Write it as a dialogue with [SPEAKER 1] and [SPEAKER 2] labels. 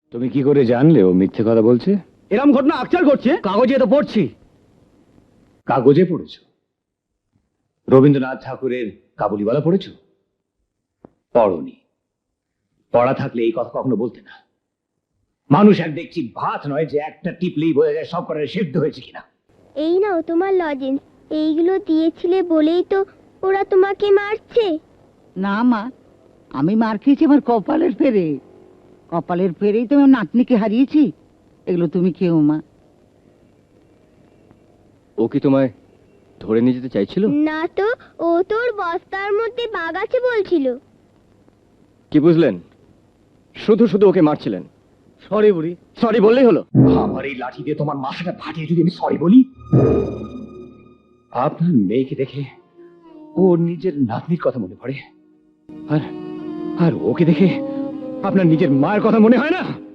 [SPEAKER 1] তুমি কি করে জানলে ও মিথ্যে কথা বলছে?
[SPEAKER 2] এরম ঘটনা আকচার ঘটছে, কাগজে তো পড়ছি।
[SPEAKER 1] কাগজে পড়েছো? রবীন্দ্রনাথ ঠাকুরের কাবুলিওয়ালা পড়েছো? পড়নি। পড়া থাকলে এই কথা কখনো বলতে না। মানুষ এক দেখছি ভাত নয় যে একটা টিপলেই বোঝা যায় সব করার সিদ্ধ হয়েছে কিনা।
[SPEAKER 3] এই নাও তোমার লজেন্স, এইগুলো দিয়েছিলে বলেই তো ওরা তোমাকে মারছে।
[SPEAKER 4] না মা, আমি মার খেয়েছি আমার কপালের ফেরে। কপালের ফেরেই তো আমার নাতনিকে হারিয়েছি। এগুলো তুমি খেও মা।
[SPEAKER 2] ও কি তোমায় ধরে নিয়ে যেতে চাইছিল?
[SPEAKER 3] না তো, ও তোর বস্তার মধ্যে বাঘ আছে বলছিল।
[SPEAKER 2] কি বুঝলেন? শুধু শুধু ওকে মারছিলেন। সরি বুড়ি, সরি বললেই হলো।
[SPEAKER 1] আমার এই লাঠি দিয়ে তোমার মাথাটা ফাটিয়ে যদি আমি সরি বলি, আপনার মেয়েকে দেখে ও নিজের নাতনির কথা মনে পড়ে, আর আর ওকে দেখে আপনার নিজের মায়ের কথা মনে হয় না?